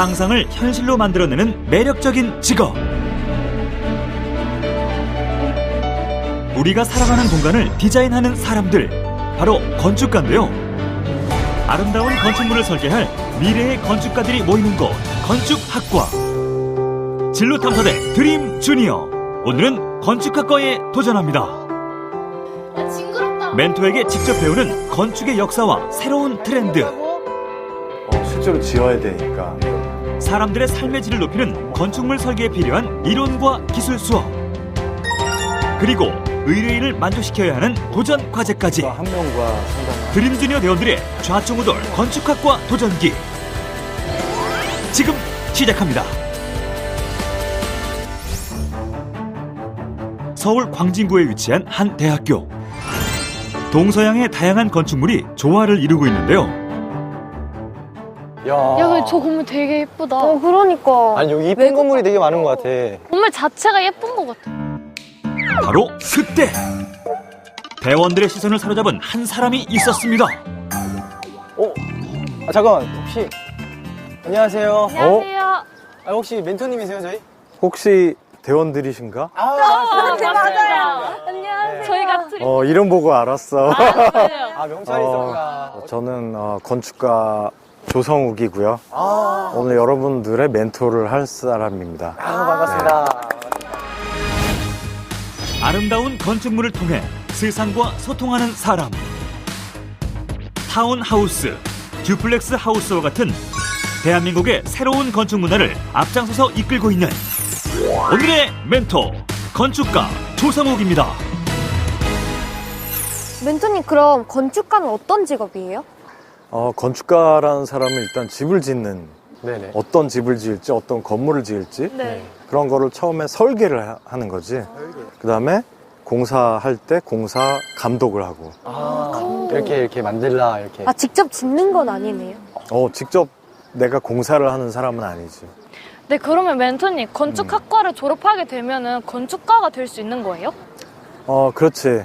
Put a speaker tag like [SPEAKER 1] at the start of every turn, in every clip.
[SPEAKER 1] 상상을 현실로 만들어내는 매력적인 직업. 우리가 살아가는 공간을 디자인하는 사람들, 바로 건축가인데요. 아름다운 건축물을 설계할 미래의 건축가들이 모이는 곳, 건축학과. 진로탐사대 드림 주니어. 오늘은 건축학과에 도전합니다. 멘토에게 직접 배우는 건축의 역사와 새로운 트렌드.
[SPEAKER 2] 실제로 지어야 되니까.
[SPEAKER 1] 사람들의 삶의 질을 높이는 건축물 설계에 필요한 이론과 기술 수업. 그리고 의뢰인을 만족시켜야 하는 도전 과제까지.
[SPEAKER 2] 한 명과 상담.
[SPEAKER 1] 드림 주니어 대원들의 좌충우돌 건축학과 도전기. 지금 시작합니다. 서울 광진구에 위치한 한 대학교. 동서양의 다양한 건축물이 조화를 이루고 있는데요.
[SPEAKER 3] 야, 근데 저 건물 되게 예쁘다.
[SPEAKER 4] 그러니까.
[SPEAKER 5] 아니 여기 이쁜 건물이 되게 많은 것 같아.
[SPEAKER 3] 건물 자체가 예쁜 것 같아.
[SPEAKER 1] 바로 그때 대원들의 시선을 사로잡은 한 사람이 있었습니다.
[SPEAKER 5] 잠깐만 혹시 안녕하세요.
[SPEAKER 3] 안녕하세요.
[SPEAKER 5] 혹시 멘토님이세요 저희?
[SPEAKER 2] 혹시 대원들이신가?
[SPEAKER 3] 맞아요. 안녕하세요. 저희가
[SPEAKER 2] 이름 보고 알았어.
[SPEAKER 5] 아 명찰이 있었구나.
[SPEAKER 2] 저는 건축가 조성욱이고요. 오늘 여러분들의 멘토를 할 사람입니다.
[SPEAKER 5] 반갑습니다.
[SPEAKER 1] 아름다운 건축물을 통해 세상과 소통하는 사람. 타운하우스, 듀플렉스 하우스와 같은 대한민국의 새로운 건축 문화를 앞장서서 이끌고 있는 오늘의 멘토, 건축가 조성욱입니다.
[SPEAKER 4] 멘토님, 그럼 건축가는 어떤 직업이에요?
[SPEAKER 2] 건축가라는 사람은 일단 집을 짓는,
[SPEAKER 5] 네네.
[SPEAKER 2] 어떤 집을 지을지, 어떤 건물을 지을지
[SPEAKER 3] 네.
[SPEAKER 2] 그런 거를 처음에 설계를 하는 거지. 그 다음에 공사할 때 공사 감독을 하고.
[SPEAKER 5] 이렇게 만들라 이렇게.
[SPEAKER 4] 직접 짓는 건 아니네요.
[SPEAKER 2] 직접 내가 공사를 하는 사람은 아니지.
[SPEAKER 3] 네, 그러면 멘토님, 건축학과를 졸업하게 되면은 건축가가 될 수 있는 거예요?
[SPEAKER 2] 그렇지.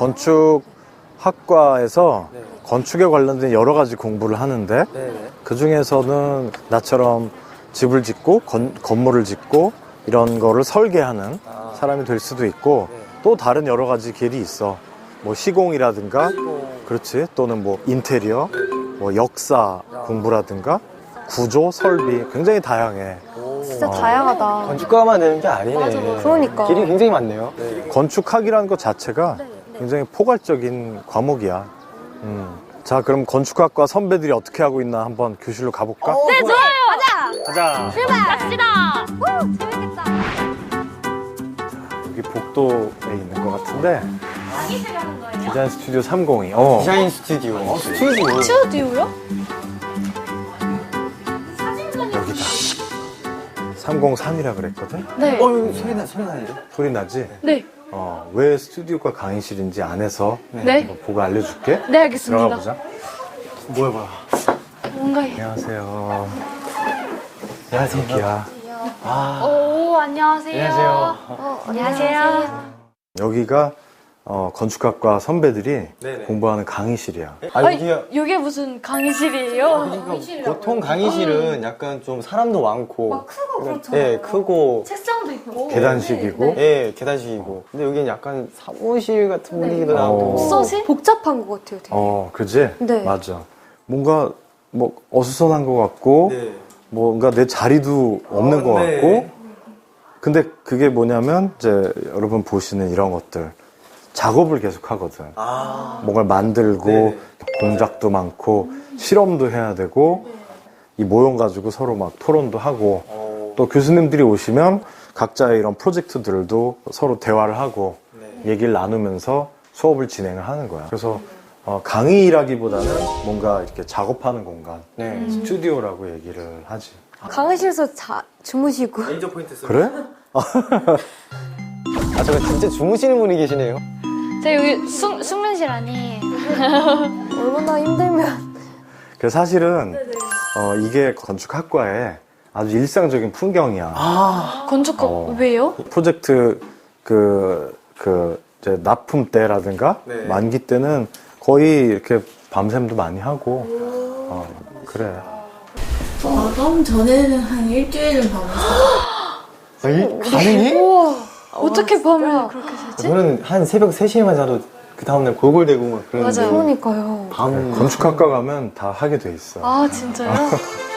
[SPEAKER 2] 건축학과에서 건축에 관련된 여러 가지 공부를 하는데 그 중에서는 나처럼 집을 짓고 건물을 짓고 이런 거를 설계하는 사람이 될 수도 있고 또 다른 여러 가지 길이 있어. 뭐 시공이라든가 그렇지. 또는 뭐 인테리어, 뭐 역사 공부라든가 구조, 설비 굉장히 다양해.
[SPEAKER 4] 진짜 다양하다.
[SPEAKER 5] 건축가만 되는 게 아니네.
[SPEAKER 4] 그러니까.
[SPEAKER 5] 길이 굉장히 많네요.
[SPEAKER 2] 건축학이라는 것 자체가 굉장히 포괄적인 과목이야. 자, 그럼 건축학과 선배들이 어떻게 하고 있나 한번 교실로 가볼까?
[SPEAKER 3] 네, 좋아요.
[SPEAKER 2] 가자.
[SPEAKER 3] 갑시다.
[SPEAKER 4] 재밌겠다.
[SPEAKER 2] 여기 복도에 있는 것 같은데. 디자인 스튜디오 302.
[SPEAKER 5] 디자인 스튜디오. 스튜디오.
[SPEAKER 3] 스튜디오요?
[SPEAKER 2] 여기다. 303이라 그랬거든?
[SPEAKER 3] 네.
[SPEAKER 5] 소리 나는데?
[SPEAKER 2] 소리 나지?
[SPEAKER 3] 네.
[SPEAKER 2] 왜 스튜디오가 강의실인지 안에서
[SPEAKER 3] 네.
[SPEAKER 2] 보고 알려줄게.
[SPEAKER 3] 네, 알겠습니다.
[SPEAKER 2] 들어가 보자.
[SPEAKER 5] 뭐야.
[SPEAKER 3] 뭔가.
[SPEAKER 2] 안녕하세요.
[SPEAKER 5] 안녕하세요.
[SPEAKER 2] 여기야.
[SPEAKER 3] 오, 안녕하세요.
[SPEAKER 5] 안녕하세요.
[SPEAKER 3] 안녕하세요.
[SPEAKER 2] 여기가 건축학과 선배들이
[SPEAKER 5] 네네.
[SPEAKER 2] 공부하는 강의실이야.
[SPEAKER 3] 이게 무슨 강의실이에요?
[SPEAKER 5] 보통 강의실은 약간 좀 사람도 많고
[SPEAKER 4] 크고 그렇죠.
[SPEAKER 5] 네, 크고
[SPEAKER 3] 책상도 있고.
[SPEAKER 2] 계단식이고.
[SPEAKER 5] 예, 계단식이고. 근데 여기는 약간 사무실 같은 분위기도 나고.
[SPEAKER 3] 독서실?
[SPEAKER 4] 복잡한 것 같아요, 되게.
[SPEAKER 2] 그지?
[SPEAKER 4] 네.
[SPEAKER 2] 맞아. 뭔가 뭐 어수선한 것 같고
[SPEAKER 5] 네.
[SPEAKER 2] 뭔가 내 자리도 없는 것
[SPEAKER 5] 네.
[SPEAKER 2] 같고. 근데 그게 뭐냐면 이제 여러분 보시는 이런 것들 작업을 계속 하거든. 뭔가를 만들고
[SPEAKER 5] 네.
[SPEAKER 2] 공작도 많고 실험도 해야 되고 이 모형 가지고 서로 막 토론도 하고 또 교수님들이 오시면 각자의 이런 프로젝트들도 서로 대화를 하고 얘기를 나누면서 수업을 진행을 하는 거야. 그래서 강의라기보다는 뭔가 이렇게 작업하는 공간,
[SPEAKER 5] 네.
[SPEAKER 2] 스튜디오라고 얘기를 하지.
[SPEAKER 4] 강의실에서 주무시고.
[SPEAKER 5] 레이저 포인트 쓰고.
[SPEAKER 2] 그래?
[SPEAKER 5] 잠깐 진짜 주무시는 분이 계시네요.
[SPEAKER 3] 제 여기 숙면실 아니에요.
[SPEAKER 4] 얼마나 힘들면.
[SPEAKER 2] 그래서 사실은 이게 건축학과의 아주 일상적인 풍경이야.
[SPEAKER 3] 건축가 왜요?
[SPEAKER 2] 프로젝트 이제 납품 때라든가
[SPEAKER 5] 네.
[SPEAKER 2] 만기 때는 거의 이렇게 밤샘도 많이 하고 그래.
[SPEAKER 6] 마감 전에는 한 일주일은 밤을
[SPEAKER 5] 가능해?
[SPEAKER 3] 어떻게 밤을 그렇게 새지?
[SPEAKER 5] 저는 한 새벽 3시에만 자도 그 다음날 골골대고 막 그러는데.
[SPEAKER 3] 맞아요.
[SPEAKER 4] 그러니까요.
[SPEAKER 2] 건축학과 가면 다 하게 돼 있어.
[SPEAKER 3] 아, 진짜요?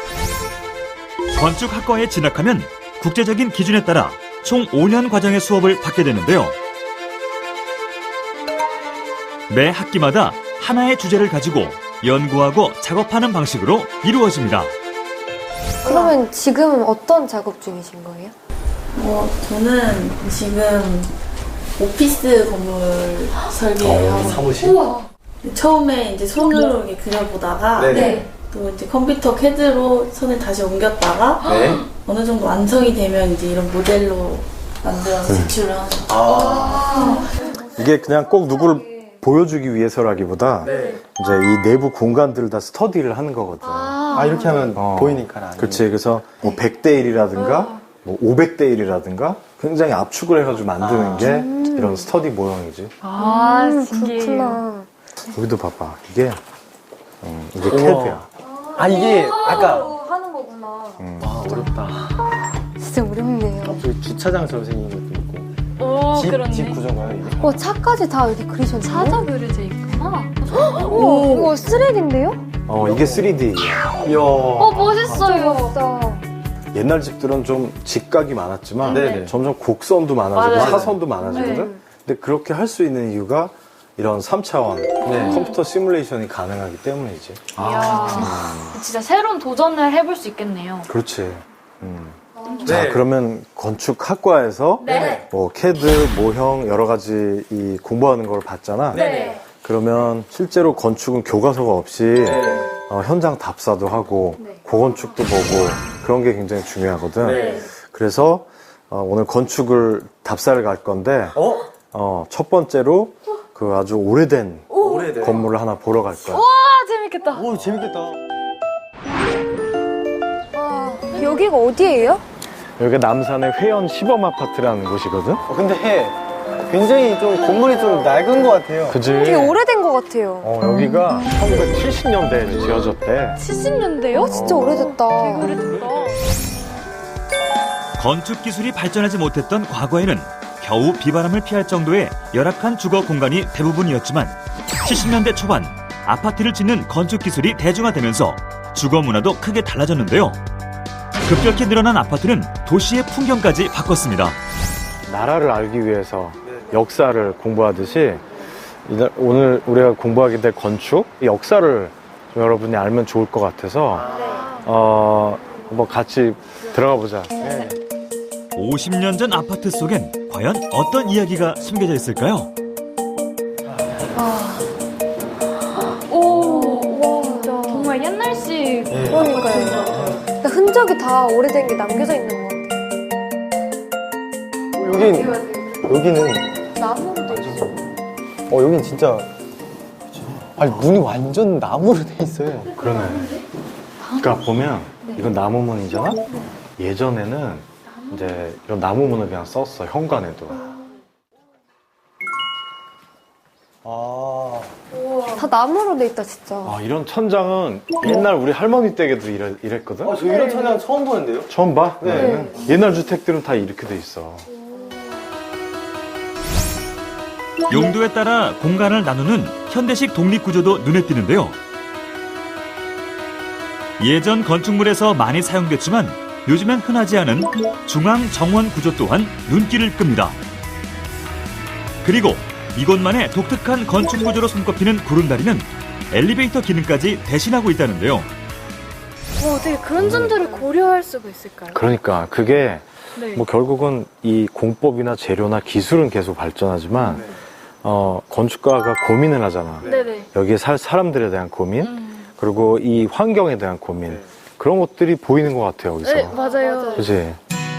[SPEAKER 1] 건축학과에 진학하면 국제적인 기준에 따라 총 5년 과정의 수업을 받게 되는데요. 매 학기마다 하나의 주제를 가지고 연구하고 작업하는 방식으로 이루어집니다.
[SPEAKER 4] 그러면 지금 어떤 작업 중이신 거예요?
[SPEAKER 6] 저는 지금 오피스 건물 설계하고
[SPEAKER 5] 사무실?
[SPEAKER 6] 처음에 이제 손으로 이렇게 그려보다가
[SPEAKER 5] 네네.
[SPEAKER 6] 또 이제 컴퓨터 CAD로 손을 다시 옮겼다가
[SPEAKER 5] 네.
[SPEAKER 6] 어느 정도 완성이 되면 이제 이런 모델로 만들어서 제출을 하는 거예요.
[SPEAKER 2] 이게 그냥 꼭 누구를 보여주기 위해서라기보다
[SPEAKER 5] 네.
[SPEAKER 2] 이제 이 내부 공간들을 다 스터디를 하는 거거든.
[SPEAKER 5] 아, 이렇게 하면 보이니까.
[SPEAKER 2] 그렇지. 그래서 뭐 100대 1이라든가 뭐 500대 1이라든가 굉장히 압축을 해가지고 만드는 게 이런 스터디 모형이지.
[SPEAKER 3] 아, 신기해요.
[SPEAKER 4] 그렇구나.
[SPEAKER 2] 여기도 봐봐. 이게 CAD야.
[SPEAKER 5] 아, 이게 아까.
[SPEAKER 4] 하는 거구나.
[SPEAKER 5] 와, 어렵다.
[SPEAKER 4] 진짜 어렵네요.
[SPEAKER 5] 저기 주차장처럼 생긴 것도 있고.
[SPEAKER 3] 오,
[SPEAKER 5] 집
[SPEAKER 3] 그렇네.
[SPEAKER 5] 구조인가요, 이게?
[SPEAKER 4] 차까지 다 이렇게 그리셨네요.
[SPEAKER 3] 사자 그려져 있구나.
[SPEAKER 4] 오, 이거 쓰레기인데요?
[SPEAKER 2] 이게 3D야.
[SPEAKER 5] 이야.
[SPEAKER 3] 멋있어요.
[SPEAKER 4] 멋있다.
[SPEAKER 2] 옛날 집들은 좀 직각이 많았지만
[SPEAKER 5] 네네.
[SPEAKER 2] 점점 곡선도 많아지고
[SPEAKER 3] 맞아요.
[SPEAKER 2] 사선도 많아지거든.
[SPEAKER 3] 네.
[SPEAKER 2] 근데 그렇게 할 수 있는 이유가 이런 3차원
[SPEAKER 5] 네.
[SPEAKER 2] 컴퓨터 시뮬레이션이 가능하기 때문이지.
[SPEAKER 3] 진짜 새로운 도전을 해볼 수 있겠네요.
[SPEAKER 2] 그렇지.
[SPEAKER 5] 네.
[SPEAKER 2] 자, 그러면 건축학과에서
[SPEAKER 3] 네.
[SPEAKER 2] 뭐 CAD, 모형 여러 가지 이 공부하는 걸 봤잖아.
[SPEAKER 3] 네.
[SPEAKER 2] 그러면 실제로 건축은 교과서가 없이 현장 답사도 하고 고건축도 보고 그런 게 굉장히 중요하거든.
[SPEAKER 5] 네.
[SPEAKER 2] 그래서 오늘 건축을 답사를 갈 건데 첫 번째로 그 아주 오래된
[SPEAKER 5] 오래돼.
[SPEAKER 2] 건물을 하나 보러 갈 거야.
[SPEAKER 3] 와, 재밌겠다.
[SPEAKER 5] 오, 재밌겠다.
[SPEAKER 4] 여기가 어디예요?
[SPEAKER 2] 여기가 남산의 회원 시범 아파트라는 곳이거든.
[SPEAKER 5] 근데 굉장히 좀 건물이 좀 낡은 것 같아요.
[SPEAKER 2] 그지?
[SPEAKER 4] 되게 오래된 것 같아요.
[SPEAKER 2] 여기가 1970년대에 지어졌대.
[SPEAKER 3] 70년대요?
[SPEAKER 4] 진짜 오래됐다.
[SPEAKER 3] 오래됐다.
[SPEAKER 1] 건축 기술이 발전하지 못했던 과거에는 겨우 비바람을 피할 정도의 열악한 주거 공간이 대부분이었지만 70년대 초반 아파트를 짓는 건축 기술이 대중화되면서 주거 문화도 크게 달라졌는데요. 급격히 늘어난 아파트는 도시의 풍경까지 바꿨습니다.
[SPEAKER 2] 나라를 알기 위해서 역사를 공부하듯이 오늘 우리가 공부하게 될 건축 역사를 좀 여러분이 알면 좋을 것 같아서 한번 같이 들어가 보자.
[SPEAKER 1] 50년 전 아파트 속엔 과연 어떤 이야기가 숨겨져 있을까요?
[SPEAKER 3] 오, 진짜. 정말 옛날식.
[SPEAKER 4] 그러니까요. 그러니까 흔적이 다 오래된 게 남겨져 있는 것 같아요.
[SPEAKER 5] 여기는
[SPEAKER 4] 나무도 있어.
[SPEAKER 5] 여긴 진짜 아니 문이 완전 나무로 돼 있어요.
[SPEAKER 2] 그러네. 그러니까 보면 이건 나무문이잖아. 예전에는 이제 이런 나무문을 그냥 썼어. 현관에도.
[SPEAKER 4] 다 나무로 돼 있다, 진짜.
[SPEAKER 2] 이런 천장은 옛날 우리 할머니 댁에도 이랬거든.
[SPEAKER 5] 저 이런 천장 처음 보는데요?
[SPEAKER 2] 처음 봐?
[SPEAKER 5] 네.
[SPEAKER 2] 옛날 주택들은 다 이렇게 돼 있어.
[SPEAKER 1] 용도에 따라 공간을 나누는 현대식 독립구조도 눈에 띄는데요. 예전 건축물에서 많이 사용됐지만 요즘엔 흔하지 않은 중앙 정원 구조 또한 눈길을 끕니다. 그리고 이곳만의 독특한 건축 구조로 손꼽히는 구름다리는 엘리베이터 기능까지 대신하고 있다는데요.
[SPEAKER 3] 어떻게 그런 점들을 고려할 수가 있을까요?
[SPEAKER 2] 그러니까 그게
[SPEAKER 3] 네.
[SPEAKER 2] 뭐 결국은 이 공법이나 재료나 기술은 계속 발전하지만 건축가가 고민을 하잖아.
[SPEAKER 3] 네네.
[SPEAKER 2] 여기에 살 사람들에 대한 고민 그리고 이 환경에 대한 고민 그런 것들이 보이는 것 같아요 여기서.
[SPEAKER 3] 네, 맞아요.
[SPEAKER 2] 그렇지.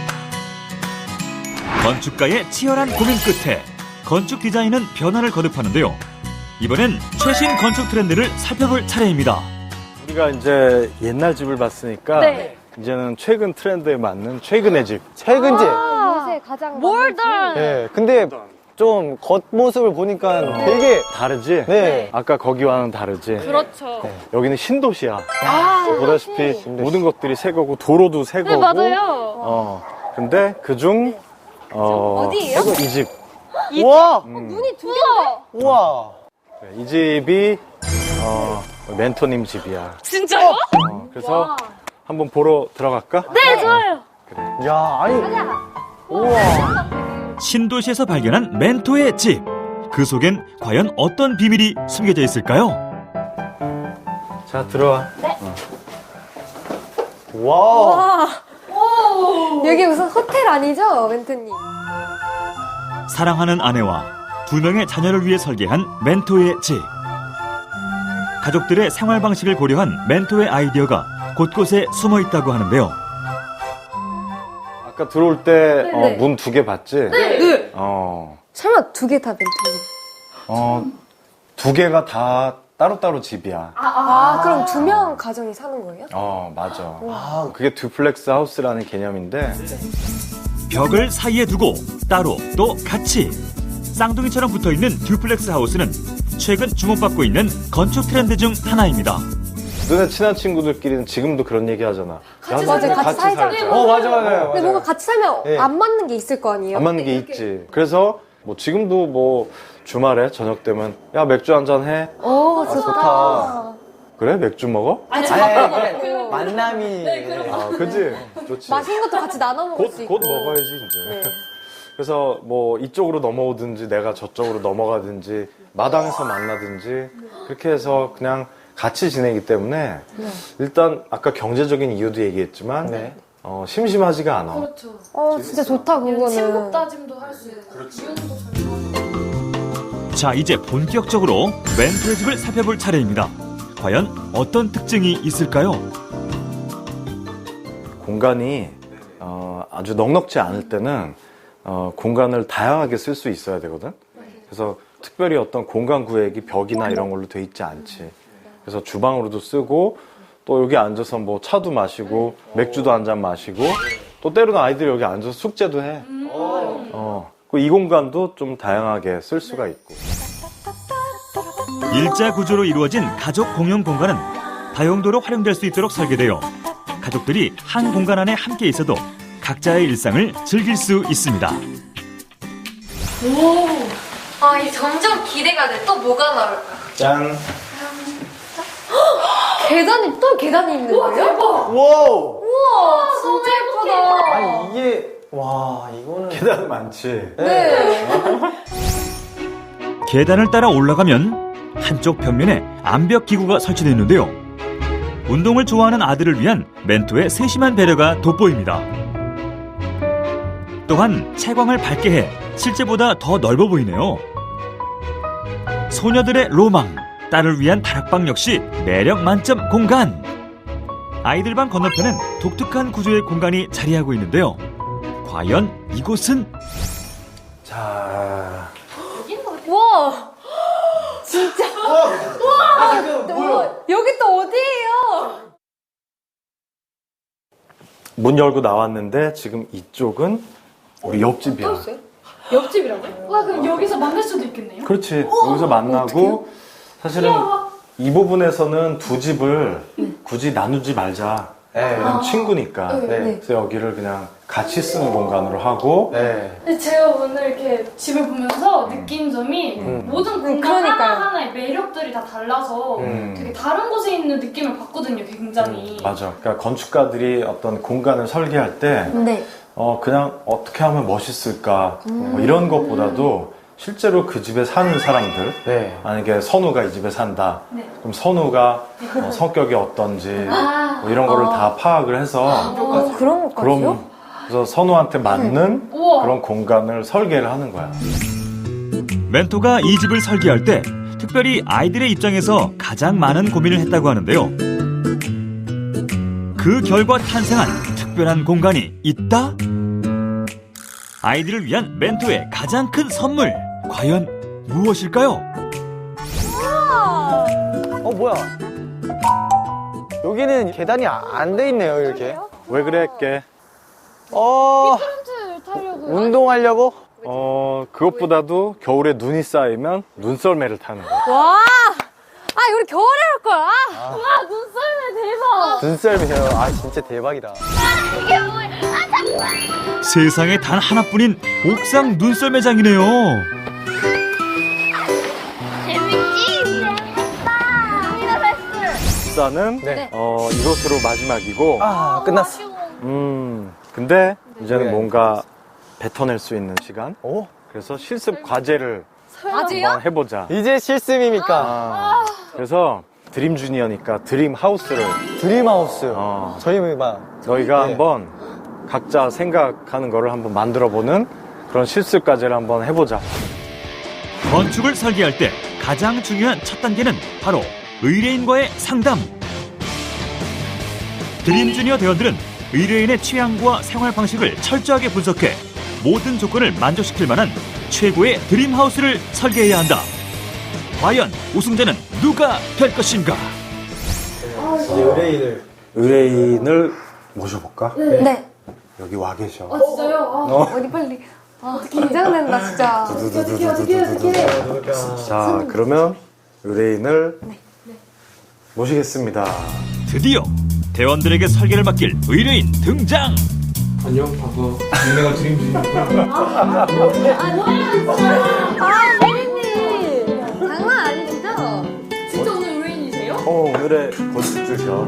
[SPEAKER 1] 건축가의 치열한 고민 끝에 건축 디자인은 변화를 거듭하는데요. 이번엔 최신 건축 트렌드를 살펴볼 차례입니다.
[SPEAKER 2] 우리가 이제 옛날 집을 봤으니까
[SPEAKER 3] 네.
[SPEAKER 2] 이제는 최근 트렌드에 맞는 최근의 집.
[SPEAKER 5] 최근 집.
[SPEAKER 4] 요새 가장
[SPEAKER 3] 몰던.
[SPEAKER 5] 네. 근데 좀 겉모습을 보니까 되게
[SPEAKER 2] 다르지?
[SPEAKER 5] 네.
[SPEAKER 2] 아까 거기와는 다르지?
[SPEAKER 3] 그렇죠.
[SPEAKER 2] 여기는 신도시야.
[SPEAKER 3] 아,
[SPEAKER 2] 보다시피 모든 것들이 새 거고 도로도 새
[SPEAKER 3] 네,
[SPEAKER 2] 거고.
[SPEAKER 3] 맞아요.
[SPEAKER 2] 근데 그중
[SPEAKER 4] 어디예요?
[SPEAKER 2] 이 집.
[SPEAKER 5] 우와!
[SPEAKER 4] 눈이 두 개인데?
[SPEAKER 5] 우와!
[SPEAKER 2] 이 집이 멘토님 집이야.
[SPEAKER 3] 진짜요?
[SPEAKER 2] 그래서 한번 보러 들어갈까?
[SPEAKER 3] 네, 좋아요.
[SPEAKER 5] 야, 아니. 우와.
[SPEAKER 1] 신도시에서 발견한 멘토의 집. 그 속엔 과연 어떤 비밀이 숨겨져 있을까요?
[SPEAKER 2] 자, 들어와.
[SPEAKER 5] 와.
[SPEAKER 4] 여기 무슨 호텔 아니죠, 멘토님?
[SPEAKER 1] 사랑하는 아내와 2명의 자녀를 위해 설계한 멘토의 집. 가족들의 생활 방식을 고려한 멘토의 아이디어가 곳곳에 숨어 있다고 하는데요.
[SPEAKER 2] 아까 들어올 때
[SPEAKER 4] 네.
[SPEAKER 2] 문 2개 봤지?
[SPEAKER 4] 네. 설마 두 개 다 멘토님?
[SPEAKER 2] 2개가 다 따로따로 집이야.
[SPEAKER 4] 그럼 2명 가정이 사는 거예요?
[SPEAKER 2] 맞아. 그게 듀플렉스 하우스라는 개념인데
[SPEAKER 1] 벽을 사이에 두고 따로 또 같이 쌍둥이처럼 붙어있는 듀플렉스 하우스는 최근 주목받고 있는 건축 트렌드 중 하나입니다.
[SPEAKER 2] 너네 친한 친구들끼리는 지금도 그런 얘기 하잖아.
[SPEAKER 4] 맞아요. 같이 살자.
[SPEAKER 5] 맞아요.
[SPEAKER 4] 근데 뭔가 같이 살면
[SPEAKER 5] 네.
[SPEAKER 4] 안 맞는 게 있을 거 아니에요?
[SPEAKER 2] 안 맞는 게 있지. 그래서 뭐 지금도 뭐 주말에 저녁 되면 야 맥주 한잔 해.
[SPEAKER 5] 좋다.
[SPEAKER 2] 그래? 맥주 먹어?
[SPEAKER 5] 아니, 만남이.
[SPEAKER 2] 그지? 좋지.
[SPEAKER 4] 맛있는 것도 같이 나눠 먹을 수 있고.
[SPEAKER 2] 곧 먹어야지 이제.
[SPEAKER 4] 네.
[SPEAKER 2] 그래서 뭐 이쪽으로 넘어오든지 내가 저쪽으로 넘어가든지 마당에서 만나든지 그렇게 해서 그냥 같이 지내기 때문에 일단 아까 경제적인 이유도 얘기했지만
[SPEAKER 5] 네.
[SPEAKER 2] 심심하지가 않아.
[SPEAKER 6] 그렇죠.
[SPEAKER 4] 진짜 좋다, 그거는.
[SPEAKER 6] 친목 다짐도 할 수 있고. 이혼도 잘
[SPEAKER 1] 자, 이제 본격적으로 멘토의 집을 살펴볼 차례입니다. 과연 어떤 특징이 있을까요?
[SPEAKER 2] 공간이 아주 넉넉지 않을 때는 공간을 다양하게 쓸 수 있어야 되거든. 그래서 특별히 어떤 공간 구획이 벽이나 이런 걸로 돼 있지 않지. 그래서 주방으로도 쓰고 또 여기 앉아서 뭐 차도 마시고 맥주도 한 잔 마시고 또 때로는 아이들이 여기 앉아서 숙제도 해. 이 공간도 좀 다양하게 쓸 수가 있고.
[SPEAKER 1] 일자 구조로 이루어진 가족 공용 공간은 다용도로 활용될 수 있도록 설계되어 가족들이 한 공간 안에 함께 있어도 각자의 일상을 즐길 수 있습니다.
[SPEAKER 4] 이 점점 기대가 돼. 또 뭐가 나올까?
[SPEAKER 2] 짠.
[SPEAKER 4] 계단이 있는 거예요?
[SPEAKER 5] 와우!
[SPEAKER 4] 우와, 진짜 예쁘다.
[SPEAKER 5] 아니, 이게, 와, 이거는.
[SPEAKER 2] 계단 많지.
[SPEAKER 4] 네.
[SPEAKER 1] 계단을 따라 올라가면 한쪽 벽면에 암벽 기구가 설치되어 있는데요. 운동을 좋아하는 아들을 위한 멘토의 세심한 배려가 돋보입니다. 또한 채광을 밝게 해 실제보다 더 넓어 보이네요. 소녀들의 로망, 딸을 위한 다락방 역시 매력 만점 공간. 아이들 방 건너편엔 독특한 구조의 공간이 자리하고 있는데요. 과연 이곳은?
[SPEAKER 2] 자,
[SPEAKER 4] 우와. 진짜. 우와. 여기 또 어디예요?
[SPEAKER 2] 문 열고 나왔는데 지금 이쪽은 우리 옆집이야.
[SPEAKER 6] 옆집이라고요? 와, 그럼 여기서 만날 수도 있겠네요?
[SPEAKER 2] 그렇지. 여기서 만나고 사실은 이 부분에서는 두 집을 굳이 나누지 말자.
[SPEAKER 5] 네.
[SPEAKER 2] 그냥 친구니까.
[SPEAKER 5] 네.
[SPEAKER 2] 그래서 여기를 그냥 같이 쓰는 공간으로 하고
[SPEAKER 5] 네.
[SPEAKER 6] 근데 제가 오늘 이렇게 집을 보면서 느낀 점이 모든 공간
[SPEAKER 4] 그러니까요.
[SPEAKER 6] 하나하나의 매력들이 다 달라서 되게 다른 곳에 있는 느낌을 받거든요, 굉장히.
[SPEAKER 2] 맞아. 그러니까 건축가들이 어떤 공간을 설계할 때
[SPEAKER 4] 네.
[SPEAKER 2] 그냥 어떻게 하면 멋있을까 뭐 이런 것보다도 실제로 그 집에 사는 사람들
[SPEAKER 5] 네.
[SPEAKER 2] 만약에 선우가 이 집에 산다.
[SPEAKER 6] 네.
[SPEAKER 2] 그럼 선우가 성격이 어떤지 뭐 이런 거를 다 파악을 해서
[SPEAKER 4] 그런 것까지요?
[SPEAKER 2] 그럼 그래서 선우한테 맞는
[SPEAKER 6] 우와.
[SPEAKER 2] 그런 공간을 설계를 하는 거야.
[SPEAKER 1] 멘토가 이 집을 설계할 때 특별히 아이들의 입장에서 가장 많은 고민을 했다고 하는데요. 그 결과 탄생한 특별한 공간이 있다? 아이들을 위한 멘토의 가장 큰 선물, 과연 무엇일까요?
[SPEAKER 5] 뭐야. 여기는 계단이 안 돼 있네요, 이렇게.
[SPEAKER 2] 왜 그랬게?
[SPEAKER 5] 운동하려고?
[SPEAKER 2] 그것보다도 겨울에 눈이 쌓이면 눈썰매를 타는 거.
[SPEAKER 4] 와! 아, 우리 겨울에 할 거야.
[SPEAKER 3] 와, 눈썰매 대박.
[SPEAKER 5] 눈썰매요. 아, 진짜 대박이다.
[SPEAKER 1] 세상에 단 하나뿐인 옥상 눈썰매장이네요.
[SPEAKER 3] 재밌지? 재밌다.
[SPEAKER 2] 입사는
[SPEAKER 5] 네.
[SPEAKER 2] 이것으로 마지막이고.
[SPEAKER 5] 아, 끝났어.
[SPEAKER 2] 근데 이제는
[SPEAKER 5] 네.
[SPEAKER 2] 뭔가 뱉어낼 수 있는 시간.
[SPEAKER 5] 오?
[SPEAKER 2] 그래서 실습 과제를
[SPEAKER 4] 아직요?
[SPEAKER 2] 한번 해보자.
[SPEAKER 5] 이제 실습입니까?
[SPEAKER 2] 그래서 드림 주니어니까 드림 하우스를
[SPEAKER 5] 드림하우스.
[SPEAKER 2] 어.
[SPEAKER 5] 저희 막
[SPEAKER 2] 너희가
[SPEAKER 5] 네.
[SPEAKER 2] 한번 각자 생각하는 거를 한번 만들어보는 그런 실습 과제를 한번 해보자.
[SPEAKER 1] 건축을 설계할 때 가장 중요한 첫 단계는 바로 의뢰인과의 상담. 드림 주니어 대원들은 의뢰인의 취향과 생활 방식을 철저하게 분석해 모든 조건을 만족시킬 만한 최고의 드림 하우스를 설계해야 한다. 과연 우승자는 누가 될 것인가?
[SPEAKER 2] 의뢰인을 모셔볼까?
[SPEAKER 4] 네.
[SPEAKER 2] 여기 와 계셔.
[SPEAKER 4] 어디 빨리. 아, 긴장된다, 진짜.
[SPEAKER 2] 자, 그러면 의뢰인을 모시겠습니다.
[SPEAKER 1] 드디어 대원들에게 설계를 맡길 의뢰인 등장!
[SPEAKER 7] 안녕, 과거 유명한 드림 주니어고요.
[SPEAKER 4] 아, 피디님. 장난 아니시죠?
[SPEAKER 2] 오늘의 건축주셔.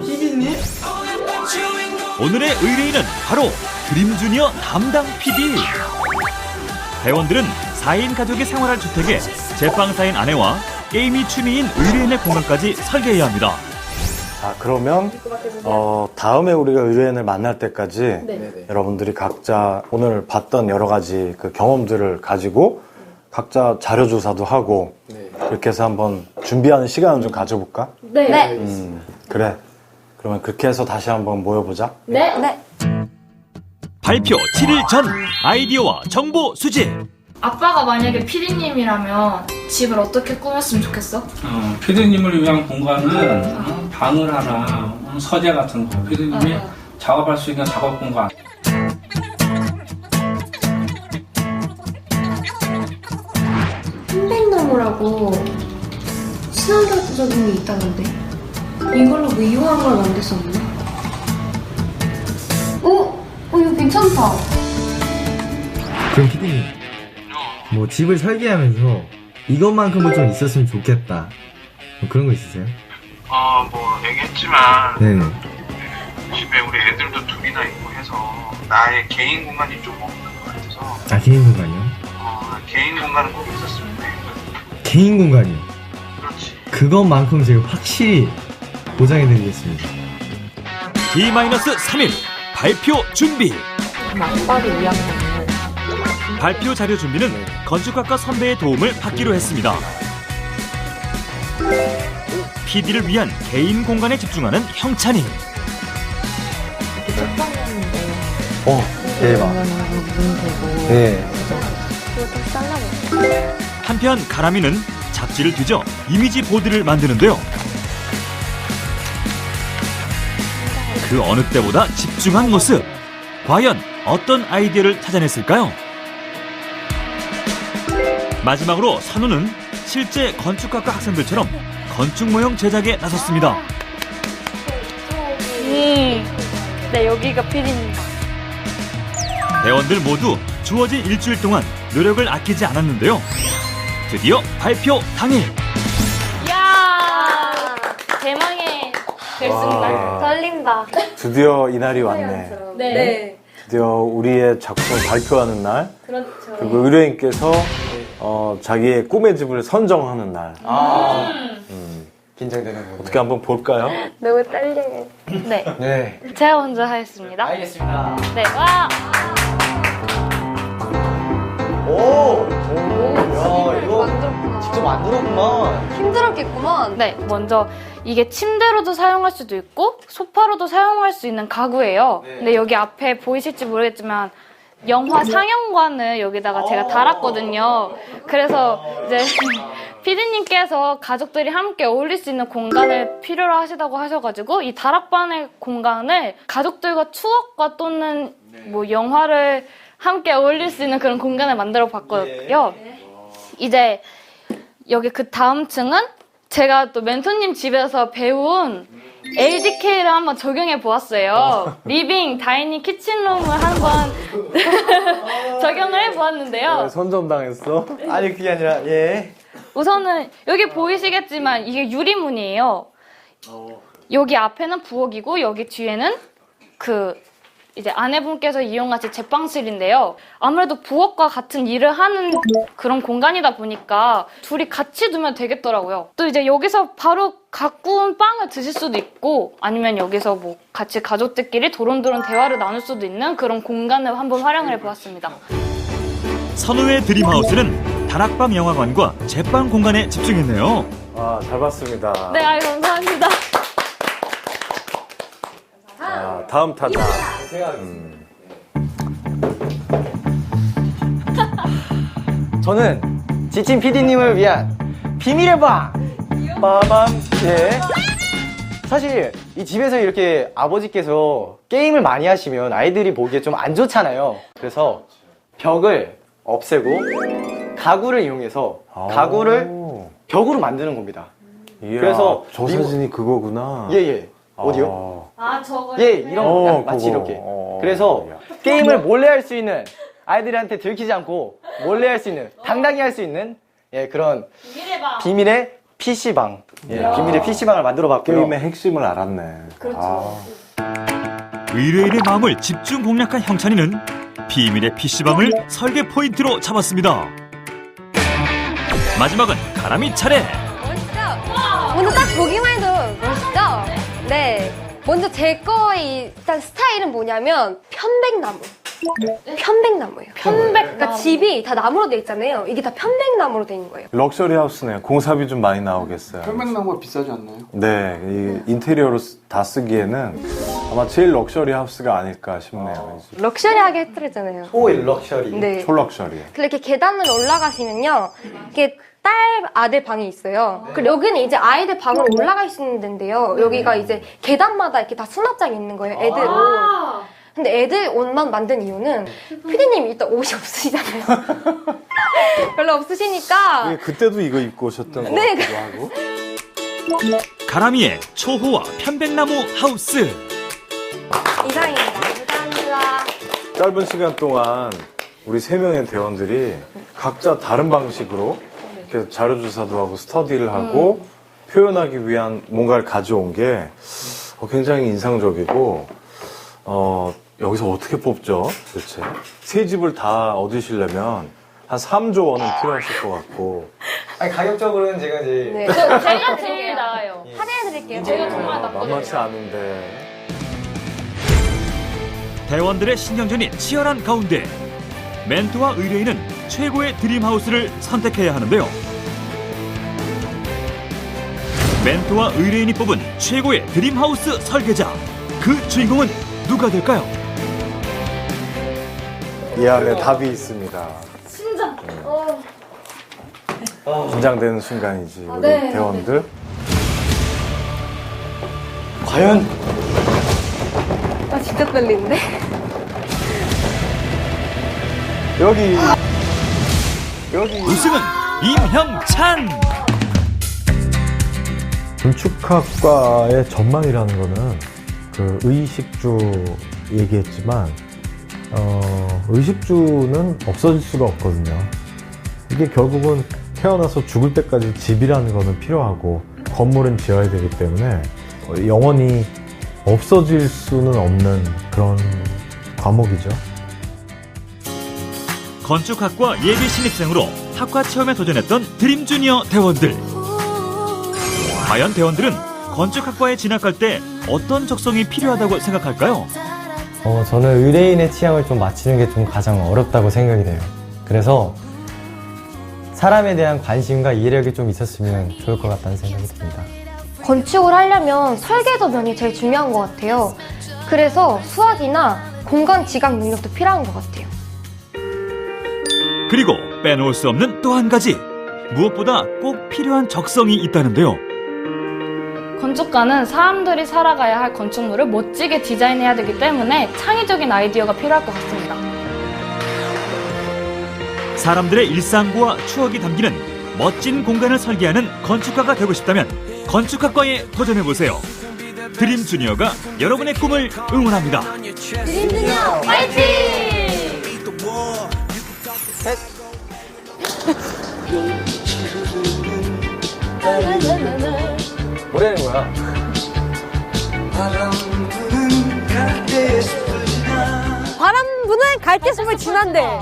[SPEAKER 1] 오늘의 의뢰인은 바로 드림 주니어 담당 PD. 대원들은 4인 가족이 생활할 주택에 제빵사인 아내와 게임이 취미인 의뢰인의 공간까지 설계해야 합니다.
[SPEAKER 2] 자, 그러면 다음에 우리가 의뢰인을 만날 때까지 여러분들이 각자 오늘 봤던 여러 가지 그 경험들을 가지고 각자 자료 조사도 하고 이렇게 해서 한번 준비하는 시간을 좀 가져볼까?
[SPEAKER 4] 네.
[SPEAKER 2] 그래. 그러면 그렇게 해서 다시 한번 모여보자.
[SPEAKER 4] 네.
[SPEAKER 1] 발표 7일 전 아이디어와 정보 수집.
[SPEAKER 8] 아빠가 만약에 피디님이라면 집을 어떻게 꾸몄으면 좋겠어?
[SPEAKER 7] 피디님을 위한 공간은 방을 하나, 서재 같은 거, 피디님이 작업할 수 있는 작업 공간.
[SPEAKER 9] 편백나무라고 친환경적인 게 있다는데 이걸로 뭐 이용한 걸 만들 수 없나? 이거 괜찮다.
[SPEAKER 10] 그럼 피디님, 뭐 집을 설계하면서 이것만큼은 좀 있었으면 좋겠다, 뭐 그런 거 있으세요?
[SPEAKER 11] 뭐 얘기했지만
[SPEAKER 10] 네네.
[SPEAKER 11] 집에 우리 애들도 둘이나 있고 해서 나의 개인 공간이 좀 없는 것 같아서
[SPEAKER 10] 아, 개인 공간이요?
[SPEAKER 11] 개인 공간은 꼭 있었으면 해.
[SPEAKER 10] 개인 공간이요?
[SPEAKER 11] 그렇지.
[SPEAKER 10] 그것만큼 제가 확실히 보장해드리겠습니다.
[SPEAKER 1] D-3일 발표 준비.
[SPEAKER 4] 맞박이 위한
[SPEAKER 1] 발표 자료 준비는 건축학과 선배의 도움을 받기로 했습니다. PD를 위한 개인 공간에 집중하는 형찬이.
[SPEAKER 5] 대박. 네.
[SPEAKER 1] 한편 가람이는 잡지를 뒤져 이미지 보드를 만드는데요. 그 어느 때보다 집중한 모습. 과연 어떤 아이디어를 찾아냈을까요? 마지막으로 선우는 실제 건축학과 학생들처럼 건축 모형 제작에 나섰습니다.
[SPEAKER 3] 네, 여기가 피디님.
[SPEAKER 1] 대원들 모두 주어진 일주일 동안 노력을 아끼지 않았는데요. 드디어 발표 당일.
[SPEAKER 3] 이야, 대망의 결승날.
[SPEAKER 4] 떨린다.
[SPEAKER 2] 드디어 이날이 왔네.
[SPEAKER 4] 네.
[SPEAKER 2] 드디어 우리의 작품을 발표하는 날.
[SPEAKER 4] 그렇죠.
[SPEAKER 2] 그리고 의뢰인께서 자기의 꿈의 집을 선정하는 날.
[SPEAKER 5] 긴장되는 거.
[SPEAKER 2] 어떻게 한번 볼까요?
[SPEAKER 4] 너무 떨려요.
[SPEAKER 3] 네,
[SPEAKER 5] 네.
[SPEAKER 3] 제가 먼저 하겠습니다.
[SPEAKER 7] 알겠습니다.
[SPEAKER 3] 네, 와.
[SPEAKER 5] 야, 이거
[SPEAKER 4] 만들었구나.
[SPEAKER 5] 직접 만들었구만.
[SPEAKER 4] 힘들었겠구만.
[SPEAKER 3] 네, 먼저 이게 침대로도 사용할 수도 있고 소파로도 사용할 수 있는 가구예요. 근데 여기 앞에 보이실지 모르겠지만 영화 상영관을 여기다가 제가 달았거든요. 그래서 이제 피디님께서 가족들이 함께 어울릴 수 있는 공간을 필요로 하시다고 하셔가지고 이 다락방의 공간을 가족들과 추억과 또는 뭐 영화를 함께 어울릴 수 있는 그런 공간을 만들어 봤고요. 이제 여기 그 다음 층은 제가 또 멘토님 집에서 배운 LDK를 한번 적용해 보았어요. 리빙, 다이닝, 키친룸을 한번 적용을 해 보았는데요.
[SPEAKER 2] 선점당했어?
[SPEAKER 5] 아니, 그게 아니라, 예.
[SPEAKER 3] 우선은 여기 보이시겠지만 이게 유리문이에요. 여기 앞에는 부엌이고 여기 뒤에는 그 이제 아내분께서 이용하실 제빵실인데요. 아무래도 부엌과 같은 일을 하는 그런 공간이다 보니까 둘이 같이 두면 되겠더라고요. 또 이제 여기서 바로 갖고 온 빵을 드실 수도 있고 아니면 여기서 뭐 같이 가족들끼리 도론도론 대화를 나눌 수도 있는 그런 공간을 한번 활용을 해보았습니다.
[SPEAKER 1] 선우의 드림하우스는 다락방 영화관과 제빵 공간에 집중했네요.
[SPEAKER 2] 아, 잘 봤습니다.
[SPEAKER 3] 네, 감사합니다.
[SPEAKER 2] 아, 다음 타자.
[SPEAKER 5] 저는 지친 PD님을 위한 비밀의 방! 빠밤! 예. 사실 이 집에서 이렇게 아버지께서 게임을 많이 하시면 아이들이 보기에 좀 안 좋잖아요. 그래서 벽을 없애고 가구를 이용해서 가구를 벽으로 만드는 겁니다.
[SPEAKER 2] 이야,
[SPEAKER 5] 그래서
[SPEAKER 2] 저 사진이 그거구나.
[SPEAKER 5] 예예. 어디요?
[SPEAKER 3] 저거.
[SPEAKER 5] 예, 이런 마치 이렇게. 그래서 게임을 몰래 할 수 있는 아이들한테 들키지 않고 몰래 할 수 있는 당당히 할 수 있는 예, 그런 비밀의 PC방. 예, 비밀의 PC방을 만들어 봤고요.
[SPEAKER 2] 게임의 핵심을 알았네.
[SPEAKER 3] 그렇죠.
[SPEAKER 1] 의뢰인의 마음을 집중 공략한 형찬이는 비밀의 PC방을 설계 포인트로 잡았습니다. 마지막은 가람이 차례.
[SPEAKER 4] 멋있죠? 먼저 딱 보기만 해도 멋있죠? 네. 먼저 제 거의 일단 스타일은 뭐냐면 편백나무. 편백나무예요. 그러니까 집이 다 나무로 돼 있잖아요. 이게 다 편백나무로 돼 있는 거예요.
[SPEAKER 2] 럭셔리 하우스네요. 공사비 좀 많이 나오겠어요.
[SPEAKER 5] 편백나무가 비싸지 않나요?
[SPEAKER 2] 네, 이 인테리어로 다 쓰기에는 아마 제일 럭셔리 하우스가 아닐까 싶네요.
[SPEAKER 4] 럭셔리하게 해드렸잖아요.
[SPEAKER 5] 초일 럭셔리.
[SPEAKER 4] 네.
[SPEAKER 2] 촐럭셔리.
[SPEAKER 4] 이렇게 계단을 올라가시면요. 이게 딸, 아들 방이 있어요. 그리고 여기는 이제 아이들 방으로 올라갈 수 있는 데인데요. 여기가 이제 계단마다 이렇게 다 수납장이 있는 거예요, 애들 옷. 근데 애들 옷만 만든 이유는 피디님 일단 옷이 없으시잖아요. 별로 없으시니까.
[SPEAKER 2] 그때도 이거 입고 오셨던 거
[SPEAKER 4] 네.
[SPEAKER 2] 같기도 하고.
[SPEAKER 1] 가람이의 초호화 편백나무 하우스.
[SPEAKER 4] 이상입니다. 감사합니다.
[SPEAKER 2] 짧은 시간 동안 우리 3명의 대원들이 각자 다른 방식으로 이렇게 자료조사도 하고 스터디를 하고 표현하기 위한 뭔가를 가져온 게 굉장히 인상적이고 여기서 어떻게 뽑죠? 도대체 새 집을 다 얻으시려면 한 3조 원은 필요하실 것 같고.
[SPEAKER 5] 아니 가격적으로는 제가 이제
[SPEAKER 4] 네.
[SPEAKER 3] 제가 제일 나아요.
[SPEAKER 4] 할인해드릴게요.
[SPEAKER 3] 제가 정말 나쁘거든요.
[SPEAKER 2] 만만치 않은데.
[SPEAKER 1] 대원들의 신경전이 치열한 가운데 멘토와 의뢰인은 최고의 드림하우스를 선택해야 하는데요. 멘토와 의뢰인이 뽑은 최고의 드림하우스 설계자, 그 주인공은 누가 될까요?
[SPEAKER 2] 이 안에 답이 있습니다.
[SPEAKER 3] 심장.
[SPEAKER 2] 긴장되는 순간이지 우리
[SPEAKER 4] 네.
[SPEAKER 2] 대원들.
[SPEAKER 5] 과연
[SPEAKER 4] 아, 진짜 떨리는데?
[SPEAKER 5] 여기
[SPEAKER 1] 우승은 임형찬!
[SPEAKER 12] 건축학과의 전망이라는 거는 그 의식주 얘기했지만 의식주는 없어질 수가 없거든요. 이게 결국은 태어나서 죽을 때까지 집이라는 거는 필요하고 건물은 지어야 되기 때문에 영원히 없어질 수는 없는 그런 과목이죠.
[SPEAKER 1] 건축학과 예비 신입생으로 학과 체험에 도전했던 드림주니어 대원들. 과연 대원들은 건축학과에 진학할 때 어떤 적성이 필요하다고 생각할까요?
[SPEAKER 10] 저는 의뢰인의 취향을 좀 맞추는 게 좀 가장 어렵다고 생각이 돼요. 그래서 사람에 대한 관심과 이해력이 좀 있었으면 좋을 것 같다는 생각이 듭니다.
[SPEAKER 4] 건축을 하려면 설계도 면이 제일 중요한 것 같아요. 그래서 수학이나 공간 지각 능력도 필요한 것 같아요.
[SPEAKER 1] 그리고 빼놓을 수 없는 또 한 가지, 무엇보다 꼭 필요한 적성이 있다는데요.
[SPEAKER 3] 건축가는 사람들이 살아가야 할 건축물을 멋지게 디자인해야 되기 때문에 창의적인 아이디어가 필요할 것 같습니다.
[SPEAKER 1] 사람들의 일상과 추억이 담기는 멋진 공간을 설계하는 건축가가 되고 싶다면 건축학과에 도전해보세요. 드림 주니어가 여러분의 꿈을 응원합니다.
[SPEAKER 4] 드림 주니어 파이팅!
[SPEAKER 5] 뭐라는 거야?
[SPEAKER 13] 바람 부는 갈대숲을 지난대.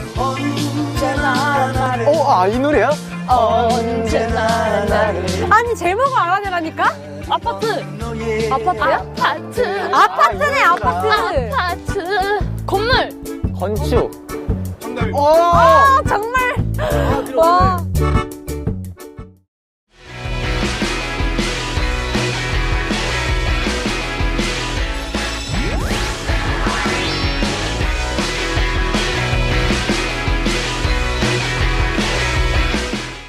[SPEAKER 5] 이 노래야?
[SPEAKER 13] 언제나 나를. 아니 제목을 알아내라니까?
[SPEAKER 3] 아파트.
[SPEAKER 13] 아파트야?
[SPEAKER 3] 아파트.
[SPEAKER 13] 아파트네 아파트.
[SPEAKER 3] 아파트. 건물.
[SPEAKER 5] 건축.
[SPEAKER 13] 아 정답.